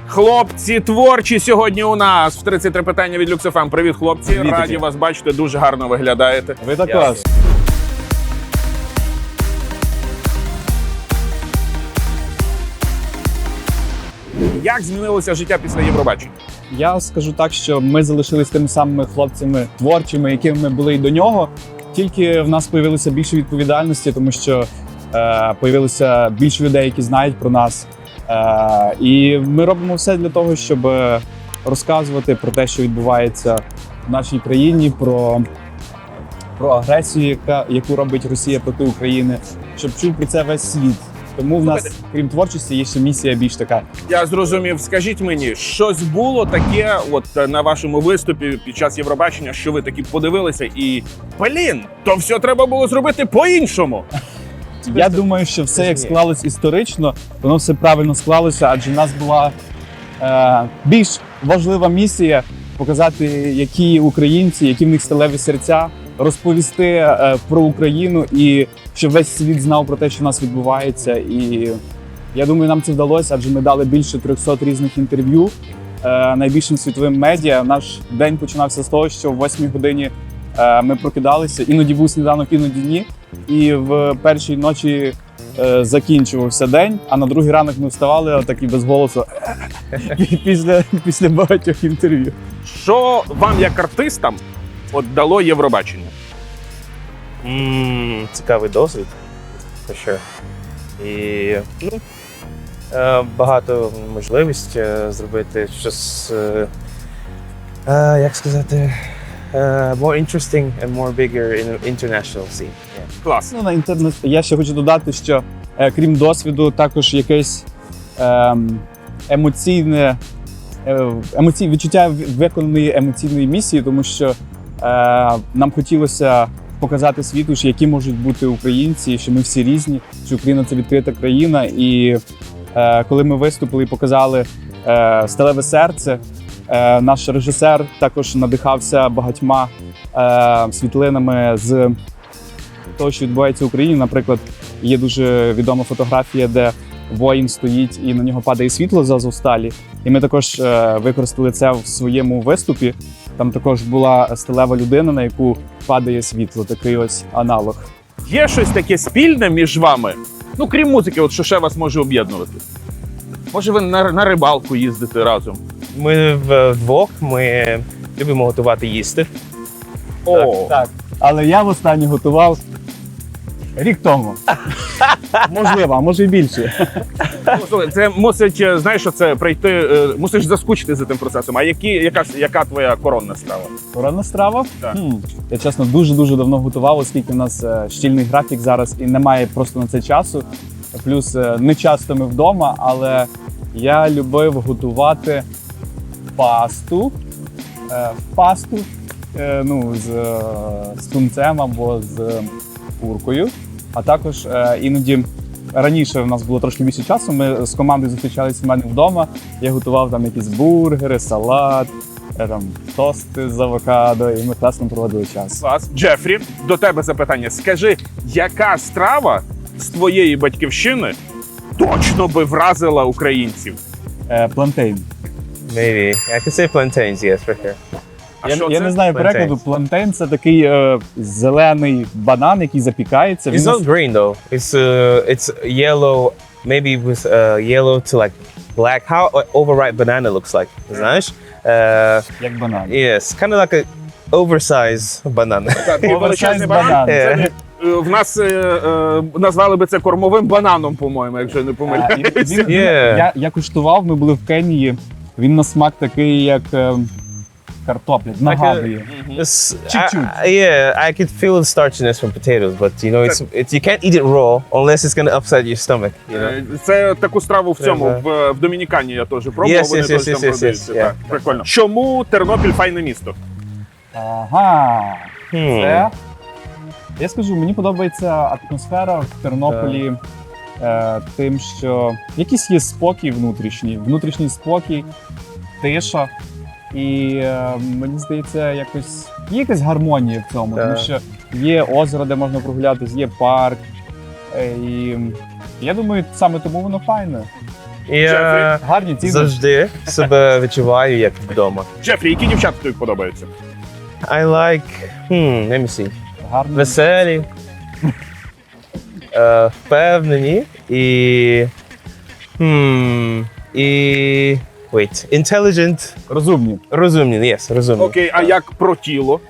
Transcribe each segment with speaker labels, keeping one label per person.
Speaker 1: Хлопці творчі сьогодні у нас в 33 питання від Люксофем. Привіт, хлопці.
Speaker 2: Привіт,
Speaker 1: Раді вас бачити, дуже гарно виглядаєте.
Speaker 2: Ви також.
Speaker 1: Як змінилося життя після Євробачення?
Speaker 2: Я скажу так, що ми залишились тими самими хлопцями творчими, якими ми були і до нього. Тільки в нас з'явилося більше відповідальності, тому що з'явилося більше людей, які знають про нас. І ми робимо все для того, щоб розказувати про те, що відбувається в нашій країні, про агресію, яку робить Росія проти України, щоб чув про це весь світ. Тому в нас, крім творчості, є ще місія більш така.
Speaker 1: Я зрозумів. Скажіть мені, щось було таке от на вашому виступі під час Євробачення, що ви такі подивилися і, блін, то все треба було зробити по-іншому.
Speaker 2: Я думаю, що все, як склалось історично, воно все правильно склалося, адже в нас була більш важлива місія показати, які українці, які в них сталеві серця, розповісти про Україну і щоб весь світ знав про те, що в нас відбувається. І я думаю, нам це вдалося, адже ми дали більше 300 різних інтерв'ю найбільшим світовим медіа. Наш день починався з того, що в 8 годині ми прокидалися, іноді був сніданок, іноді ні. І в першій ночі закінчувався день, а на другий ранок ми вставали отак і без голосу після багатьох інтерв'ю.
Speaker 1: Що вам, як артистам, от дало Євробачення?
Speaker 3: Цікавий досвід, for sure. І багато можливість зробити щось, як сказати, more interesting and more bigger in international scene. Yeah.
Speaker 1: Клас.
Speaker 2: Ну, на інтернет я ще хочу додати, що крім досвіду, також якесь відчуття виконаної емоційної місії, тому що нам хотілося показати світу, що які можуть бути українці, що ми всі різні, що Україна – це відкрита країна. І коли ми виступили і показали «Сталеве серце», наш режисер також надихався багатьма світлинами з того, що відбувається в Україні. Наприклад, є дуже відома фотографія, де воїн стоїть і на нього падає світло з Азовсталі. І ми також використали це в своєму виступі. Там також була сталева людина, на яку падає світло, такий ось аналог.
Speaker 1: Є щось таке спільне між вами? Ну, крім музики, от що ще вас може об'єднувати? Може, ви на рибалку їздите разом?
Speaker 3: Ми вдвох, ми любимо готувати їсти.
Speaker 2: Так. Але я востаннє готував рік тому. Можливо, а може і більше.
Speaker 1: Ну, слухай, це мусить, знаєш, що це прийти, мусиш заскучити за тим процесом. А яка твоя коронна страва?
Speaker 2: Коронна страва?
Speaker 1: Так.
Speaker 2: Я, чесно, дуже давно готував, оскільки в нас щільний графік зараз і немає просто на це часу. Плюс не часто ми вдома, але я любив готувати пасту, з тунцем або з куркою. А також іноді раніше в нас було трошки більше часу, ми з командою зустрічалися в мене вдома. Я готував там якісь бургери, салат, тости з авокадо, і ми класно проводили час.
Speaker 1: Клас. Джефрі, до тебе запитання. Скажи, яка страва з твоєї батьківщини точно би вразила українців?
Speaker 2: Плантейн.
Speaker 3: Maybe. I could say plantains, yes, for sure.
Speaker 1: А що
Speaker 2: Я
Speaker 1: це?
Speaker 2: не знаю перекладу. Плантейн – це такий зелений банан, який запікається.
Speaker 3: It's not green though. It's yellow, maybe with yellow to like black. How overripe banana looks like, знаєш?
Speaker 2: Як банан.
Speaker 3: Yes, kind of like a oversized banana.
Speaker 1: Такий величезний банан. Це, в нас назвали би це кормовим бананом, по-моєму, якщо не помиляюся.
Speaker 2: Я куштував, ми були в Кенії. Він на смак такий, як картопля, нагадує. Чуть-чуть.
Speaker 3: Yeah, I could feel the starchiness from potatoes, but you know, you can't eat it raw unless it's going to upset your stomach. You know?
Speaker 1: Це таку страву в цьому, в Домінікані я теж пробував, вони теж там продаються. Так, прикольно. Чому Тернопіль файне місто?
Speaker 2: Ага, це... Я скажу, мені подобається атмосфера в Тернополі тим, що якийсь є спокій внутрішній спокій, тиша. І мені здається, є якась гармонія в цьому, тому що є озеро, де можна прогулятися, є парк. І я думаю, саме тому воно файне.
Speaker 3: Я
Speaker 2: Гарні ціни.
Speaker 3: завжди себе відчуваю як вдома.
Speaker 1: Джефрі, які дівчата тобі подобаються?
Speaker 3: I like, let me see.
Speaker 2: Гарні.
Speaker 3: Веселі, впевнені і intelligent,
Speaker 2: Розумні.
Speaker 3: розумні, yes, розумні.
Speaker 1: Окей, а як про тіло?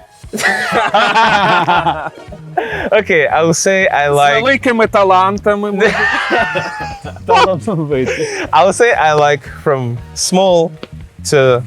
Speaker 3: Okay, I will say I
Speaker 1: З
Speaker 3: like,
Speaker 1: великими талантами.
Speaker 2: Талановиті.
Speaker 3: I will say I like from small to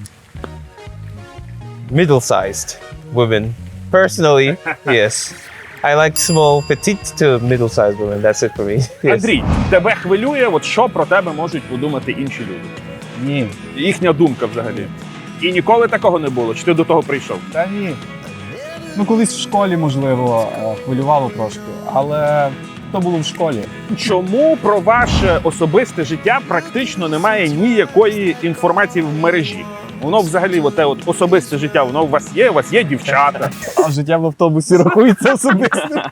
Speaker 3: middle-sized women. Personally, yes. I like small, petite to middle-sized women. That's it for me. Yes.
Speaker 1: Андрій, тебе хвилює, от що про тебе можуть подумати інші люди?
Speaker 2: Ні.
Speaker 1: Їхня думка взагалі. І ніколи такого не було? Чи ти до того прийшов?
Speaker 2: Та ні. Ну, колись в школі, можливо, хвилювало трошки, але то було в школі.
Speaker 1: Чому про ваше особисте життя практично немає ніякої інформації в мережі? Воно взагалі, от особисте життя, воно у вас є дівчата.
Speaker 2: А життя в автобусі рахується особисто.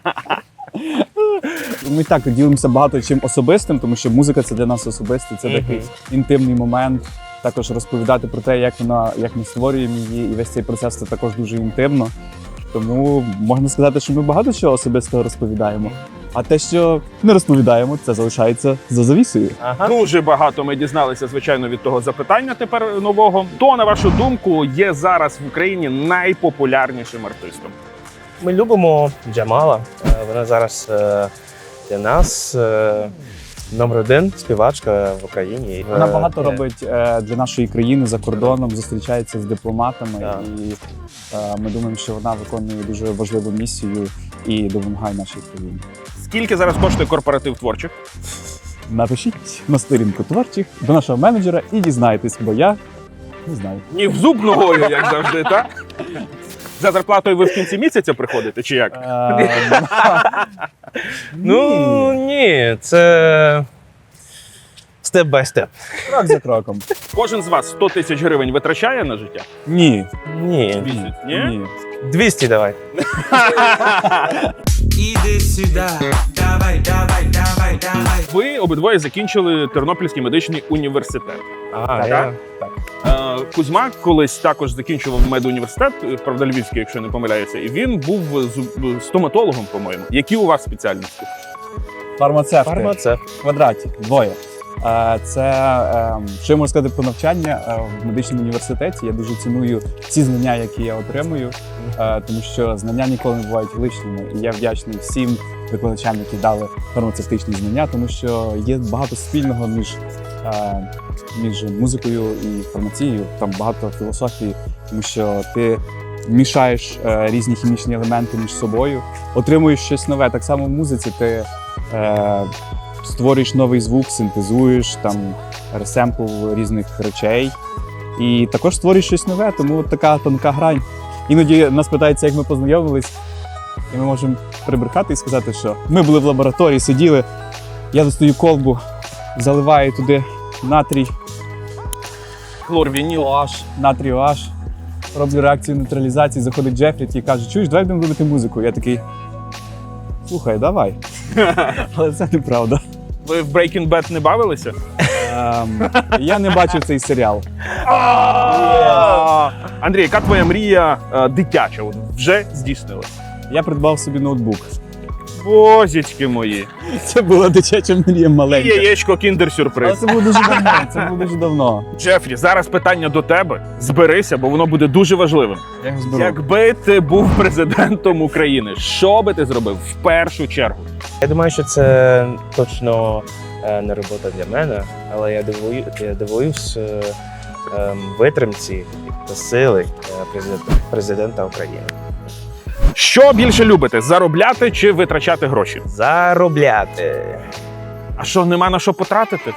Speaker 2: Ми так ділимося багато чим особистим, тому що музика це для нас особисте, це такий інтимний момент. Також розповідати про те, як ми створюємо її, і весь цей процес це також дуже інтимно. Тому можна сказати, що ми багато чого особистого розповідаємо. А те, що не розповідаємо, це залишається за завісою.
Speaker 3: Ага.
Speaker 1: Дуже багато ми дізналися, звичайно, від того запитання тепер нового. Хто, на вашу думку, є зараз в Україні найпопулярнішим артистом?
Speaker 3: Ми любимо Джамала. Вона зараз для нас номер один співачка в Україні.
Speaker 2: Вона багато робить для нашої країни за кордоном, зустрічається з дипломатами,
Speaker 3: Так.
Speaker 2: і ми думаємо, що вона виконує дуже важливу місію і допомагає нашій країні.
Speaker 1: Скільки зараз коштує корпоратив творчих?
Speaker 2: Напишіть на сторінку творчих до нашого менеджера і дізнайтесь, бо я не знаю.
Speaker 1: Ні в зуб ногою, як завжди, так? За зарплатою ви в кінці місяця приходите, чи як?
Speaker 3: Ну ні, це степ-бай-степ.
Speaker 2: Крок за кроком.
Speaker 1: Кожен з вас 100 тисяч гривень витрачає на життя?
Speaker 2: Ні.
Speaker 3: Ні.
Speaker 1: Місяць? Ні?
Speaker 2: Ні.
Speaker 3: 200 давай.
Speaker 4: Іди сюди, давай, давай, давай, давай.
Speaker 1: Ви обидвоє закінчили Тернопільський медичний університет.
Speaker 3: Я...
Speaker 1: Кузьма колись також закінчував медуніверситет, правда, Львівський, якщо не помиляюся, і він був стоматологом, по-моєму. Які у вас спеціальності?
Speaker 2: Фармацевти.
Speaker 3: Фармацевт.
Speaker 2: В квадраті. Двоє. Це, що я можу сказати про навчання в медичному університеті. Я дуже ціную ці знання, які я отримую, тому що знання ніколи не бувають лишніми. І я вдячний всім викладачам, які дали фармацевтичні знання, тому що є багато спільного між музикою і фармацією. Там багато філософії, тому що ти мішаєш різні хімічні елементи між собою, отримуєш щось нове. Так само в музиці ти створюєш новий звук, синтезуєш, там ресемпл різних речей. І також створюєш щось нове, тому от така тонка грань. Іноді нас питаються, як ми познайомились, і ми можемо прибрехати і сказати, що ми були в лабораторії, сиділи, я достаю колбу, заливаю туди натрій,
Speaker 1: Хлорвініл.
Speaker 2: OH, натрій OH, роблю реакцію нейтралізації, заходить Джефрі і каже, чуєш, давай будемо робити музику. Я такий, слухай, давай. Але це неправда.
Speaker 1: Ви в Breaking Bad не бавилися?
Speaker 2: Я не бачив цей серіал.
Speaker 1: Андрій, яка твоя мрія дитяча? От вже здійснилась?
Speaker 2: Я придбав собі ноутбук.
Speaker 1: Бозічки мої.
Speaker 2: Це була дитяча мрія
Speaker 1: І
Speaker 2: маленька.
Speaker 1: яєчко
Speaker 2: Але
Speaker 1: кіндер-сюрприз.
Speaker 2: це було дуже давно. Це було дуже давно.
Speaker 1: Джефрі, зараз питання до тебе. Зберися, бо воно буде дуже важливим.
Speaker 2: Я його зберу.
Speaker 1: Якби ти був президентом України, що би ти зробив в першу чергу?
Speaker 3: Я думаю, що це точно не робота для мене, але я дивуюсь витримці та сили президента України.
Speaker 1: Що більше любите? Заробляти чи витрачати гроші?
Speaker 3: Заробляти.
Speaker 1: А що, нема на що потратити?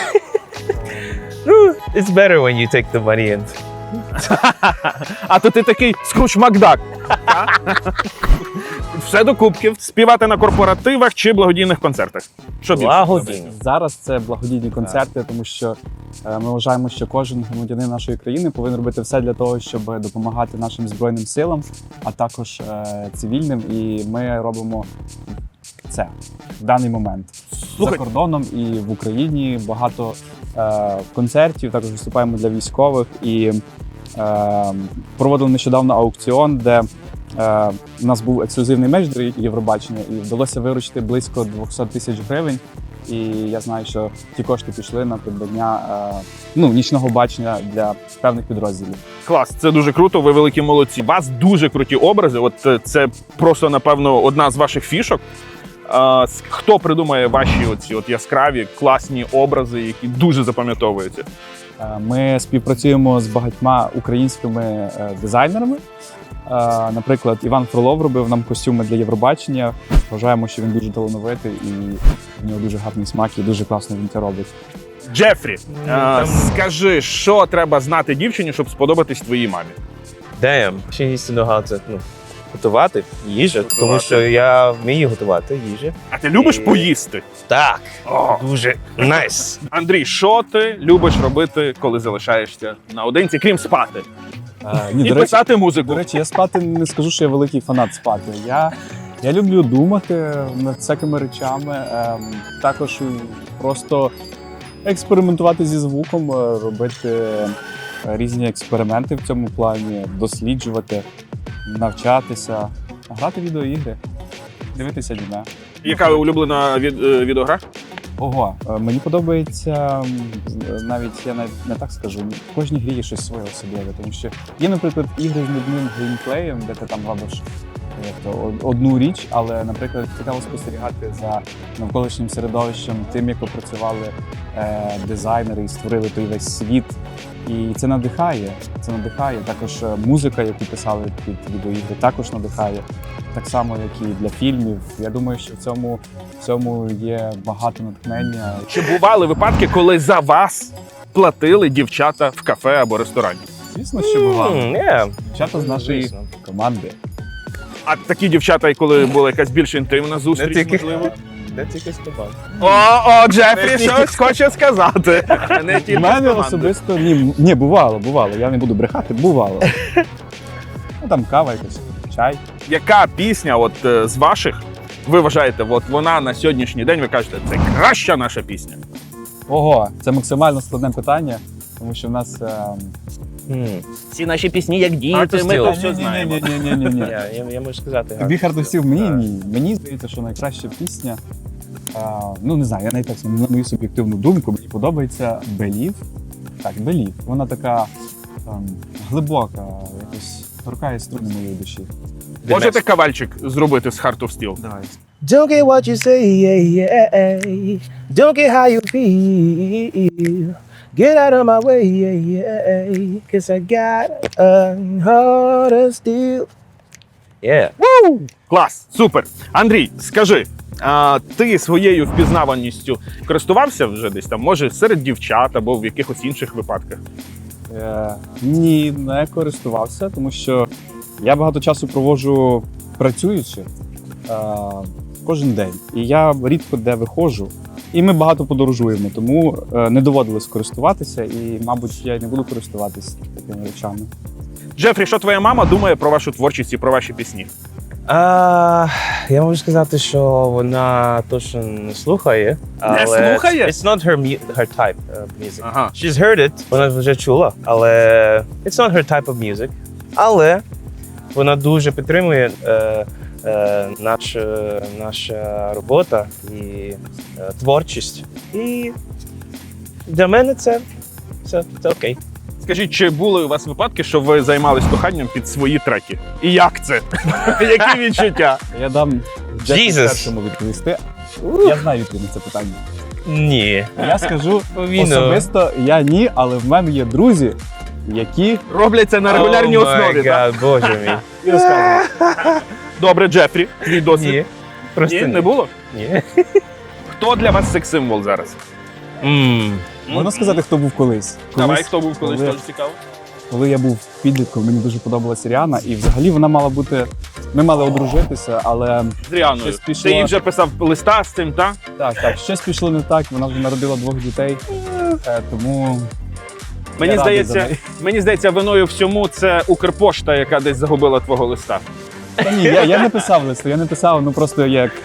Speaker 3: Ну, it's better when you take the money and...
Speaker 1: А то ти такий Скрудж Макдак. Все до кубків. Співати на корпоративах чи благодійних концертах? Що більше?
Speaker 3: Благодійні.
Speaker 2: Зараз це благодійні концерти, тому що ми вважаємо, що кожен громадянин нашої країни повинен робити все для того, щоб допомагати нашим Збройним силам, а також цивільним. І ми робимо це в даний момент.
Speaker 1: Слухай,
Speaker 2: За кордоном і в Україні багато концертів, також виступаємо для військових і проводили нещодавно аукціон, де у нас був ексклюзивний меч до Євробачення і вдалося виручити близько 200 тисяч гривень. І я знаю, що ті кошти пішли на придбання нічного бачення для певних підрозділів.
Speaker 1: клас, це дуже круто, ви великі молодці. У вас дуже круті образи, от це просто, напевно, одна з ваших фішок. Хто придумає ваші оці от яскраві, класні образи, які дуже запам'ятовуються?
Speaker 2: Ми співпрацюємо з багатьма українськими дизайнерами. Наприклад, Іван Фролов робив нам костюми для Євробачення. Вважаємо, що він дуже талановитий і в нього дуже гарний смак і дуже класно він це робить.
Speaker 1: Джефрі, скажи, що треба знати дівчині, щоб сподобатись твоїй мамі?
Speaker 3: Damn, she needs to know how to, готувати їжу, тому що я вмію готувати їжу.
Speaker 1: А ти любиш поїсти?
Speaker 3: Так,
Speaker 1: О.
Speaker 3: дуже nice.
Speaker 1: Андрій, що ти любиш робити, коли залишаєшся наодинці, крім спати?
Speaker 2: Ні,
Speaker 1: І писати музику.
Speaker 2: До речі, я спати не скажу, що я великий фанат спати. Я люблю думати над всякими речами, також просто експериментувати зі звуком, робити різні експерименти в цьому плані, досліджувати, навчатися, грати в відеоігри, дивитися аніме.
Speaker 1: Яка улюблена відеогра?
Speaker 2: Ого, мені подобається, навіть я навіть не так скажу, в кожній грі є щось своє особливе, тому що є, наприклад, ігри з нудним геймплеєм, де ти там робиш одну річ, але, наприклад, цікаво спостерігати за навколишнім середовищем, тим, як опрацювали дизайнери і створили той весь світ. І це надихає. Також музика, яку писали під відеоігри, також надихає. Так само, як і для фільмів. Я думаю, що в цьому є багато натхнення.
Speaker 1: Чи бували випадки, коли за вас платили дівчата в кафе або ресторані?
Speaker 2: Звісно, що бувало. Дівчата з нашої
Speaker 3: Звісно.
Speaker 2: команди.
Speaker 1: А такі дівчата, коли була якась більш інтимна зустріч,
Speaker 3: тільки.
Speaker 1: можливо?
Speaker 3: Де тільки з тобою?
Speaker 1: О, Джефрі щось хоче сказати. Не
Speaker 2: У
Speaker 1: тільки з
Speaker 2: мене
Speaker 1: команди.
Speaker 2: особисто ні, бувало. Я не буду брехати, бувало. Там кава якась, чай.
Speaker 1: Яка пісня от з ваших, ви вважаєте, от вона на сьогоднішній день, ви кажете, це краща наша пісня?
Speaker 2: Ого, це максимально складне питання, тому що в нас
Speaker 1: Всі наші пісні як діти,
Speaker 3: Artist
Speaker 1: ми то
Speaker 3: Hill.
Speaker 1: все знаємо.
Speaker 2: Ні.
Speaker 3: Я можу сказати.
Speaker 2: Тобі хардостів ні. Мені здається, що найкраща пісня, не знаю, я навіть так, на мою суб'єктивну думку, мені подобається Believe. Так, Believe. Вона така глибока, якось торкає струни моєї душі.
Speaker 1: Можете кавальчик зробити з Heart of Steel?
Speaker 2: Давай.
Speaker 3: Don't get what you say, yeah. Don't get how you feel. Get out of my way, yeah. Cause I got a heart of steel. Yeah.
Speaker 1: Клас, супер. Андрій, скажи, ти своєю впізнаваністю користувався вже десь там, може, серед дівчат або в якихось інших випадках?
Speaker 2: Ні, не користувався, тому що я багато часу проводжу працюючи кожен день. І я рідко де виходжу. І ми багато подорожуємо, тому не доводилось користуватися, і, мабуть, я й не буду користуватися такими речами.
Speaker 1: Джефрі, що твоя мама думає про вашу творчість і про ваші пісні?
Speaker 3: Я можу сказати, що вона точно не слухає. Але
Speaker 1: слухає?
Speaker 3: It's not her type of music.
Speaker 1: Ага.
Speaker 3: She's heard it, вона вже чула, але it's not her type of music. Але вона дуже підтримує наша робота і творчість. І для мене це окей.
Speaker 1: Скажіть, чи були у вас випадки, що ви займались коханням під свої треки? І як це? Які відчуття?
Speaker 2: Я дам Джеку
Speaker 3: Jesus.
Speaker 2: першому відповісти. Я знаю відповідь на це питання.
Speaker 3: Ні.
Speaker 2: Я скажу
Speaker 3: Він,
Speaker 2: особисто, я ні, але в мене є друзі, які
Speaker 1: Роблять це на регулярній
Speaker 3: Oh my
Speaker 1: основі, так?
Speaker 3: God, Боже мій.
Speaker 2: і розказують.
Speaker 1: Добре, Джефрі, твій досвід.
Speaker 3: Ні. Просто
Speaker 1: Ні, не було?
Speaker 3: Ні.
Speaker 1: Хто для вас секс-символ зараз?
Speaker 2: Можна сказати, хто був колись.
Speaker 1: Давай, хто був колись,
Speaker 2: коли-
Speaker 1: теж цікаво.
Speaker 2: Коли я був підлітком, мені дуже подобалася Ріана, і взагалі вона мала бути. Ми мали одружитися, але
Speaker 1: З Ріаною.
Speaker 2: Щось пішло.
Speaker 1: Ти їй вже писав листа з цим, так?
Speaker 2: так, щось пішло не так. Вона вже народила 2 дітей, тому
Speaker 1: Мені
Speaker 2: Я радий за
Speaker 1: здається,
Speaker 2: неї.
Speaker 1: мені здається, виною всьому це Укрпошта, яка десь загубила твого листа.
Speaker 2: та ні, я не писав листу, я не писав, просто як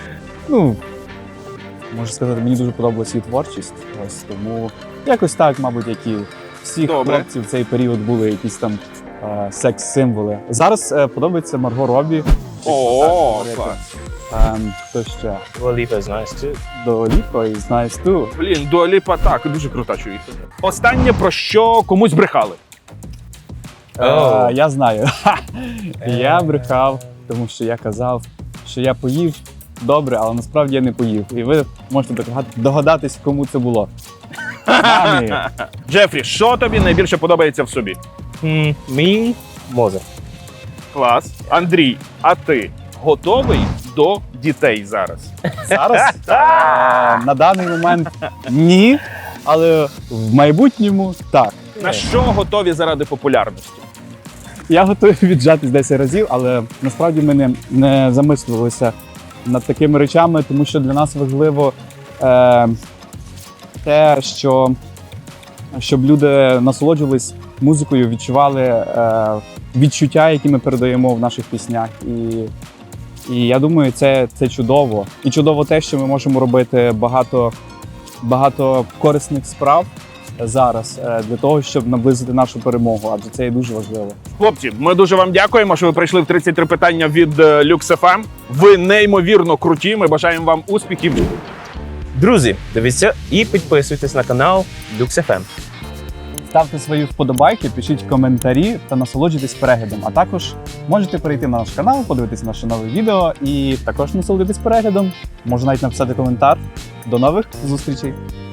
Speaker 2: Ну, можу сказати, мені дуже подобалася її творчість. Ось тому якось так, мабуть, як і всі
Speaker 1: Добре.
Speaker 2: хлопці в цей період були якісь там секс-символи. Зараз подобається Марго Робі.
Speaker 1: О, клас.
Speaker 2: Хто ще?
Speaker 3: Dua Lipa is nice too.
Speaker 2: До Ліпо і Знаєш ту.
Speaker 1: Блін, Дуа Ліпа, так, дуже крута чоловіка. Останнє, про що комусь брехали.
Speaker 3: Oh.
Speaker 2: Я знаю. Я брехав, тому що я казав, що я поїв добре, але насправді я не поїв. І ви можете догадатись, кому це було. Мамі.
Speaker 1: Джефрі, що тобі найбільше подобається в собі?
Speaker 3: Me, Mozart.
Speaker 1: Клас. Андрій, а ти готовий до дітей зараз?
Speaker 2: Зараз на даний момент ні, але в майбутньому так.
Speaker 1: На що готові заради популярності?
Speaker 2: Я готовий віджатись 10 разів, але насправді ми не замислювалися над такими речами, тому що для нас важливо те, щоб люди насолоджувались музикою, відчували відчуття, які ми передаємо в наших піснях. І я думаю, це чудово. І чудово те, що ми можемо робити багато корисних справ зараз для того, щоб наблизити нашу перемогу, адже це є дуже важливо.
Speaker 1: Хлопці, ми дуже вам дякуємо, що ви прийшли в 33 питання від Lux FM. Ви неймовірно круті. Ми бажаємо вам успіхів.
Speaker 3: Друзі, дивіться і підписуйтесь на канал Lux FM.
Speaker 2: Ставте свої вподобайки, пишіть коментарі та насолоджуйтесь переглядом. А також можете перейти на наш канал, подивитись наше нове відео і також насолодитись переглядом. Можна навіть написати коментар. До нових зустрічей!